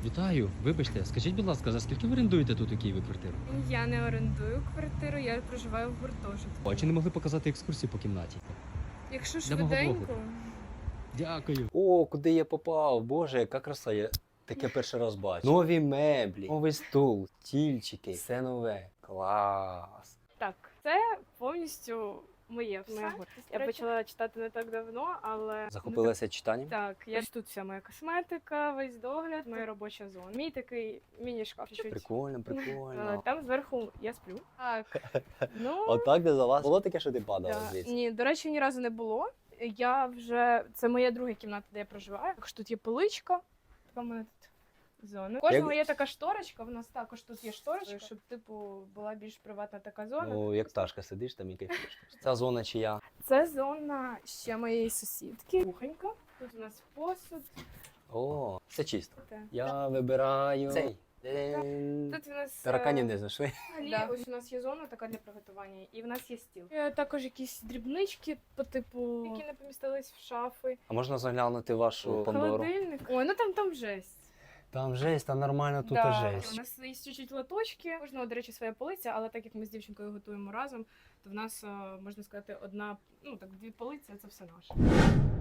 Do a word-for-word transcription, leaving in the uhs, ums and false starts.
Вітаю, вибачте, скажіть, будь ласка, за скільки ви орендуєте тут у Києві квартиру? Я не орендую квартиру, я проживаю в гуртожитку. А чи не могли показати екскурсію по кімнаті? Якщо Для мого швиденько, блогу. Дякую. О, куди я попав? Боже, яка краса, я таке перший раз бачу. Нові меблі, новий стул, стільчики, все нове. Клас. так, це повністю моє все. Моя гордість. Я почала читати не так давно, але Захопилася читанням? так, я тут вся моя косметика, весь догляд, моя робоча зона. Мій такий міні-шкаф. чуть-чуть. Прикольно, Е, прикольно. Там зверху я сплю. Так. Ну, Отак де за вас. Було таке, що ти падала да. звідси? Ні, до речі, ні разу не було. Я вже це моя друга кімната, де я проживаю. Також тут є поличка. Така в мене тут зона. У кожного Як- є така шторочка. В нас також тут є шторочка, щоб типу була більш приватна така зона. Ну, як пташка сидиш там і кайфуєш. Ця зона чия? Це зона ще моєї сусідки. Кухонька. Тут у нас посуд. О, все чисто. Та. Я вибираю цей. Дин. Тут у нас е, Тараканів не знайшли. да. Ось у нас є зона така для приготування, і в нас є стіл. Е, Також якісь дрібнички по типу, які не помістились в шафи. А можна заглянути вашу Пандору? Холодильник. Ой, ну там там жесть. Там жесть, там нормально тут Да. і У жесть. нас є чуть-чуть лоточки. У кожного, до речі, своя полиця, але так як ми з дівчинкою готуємо разом, то в нас, е, можна сказати, одна, ну так, дві полиці, це все наше.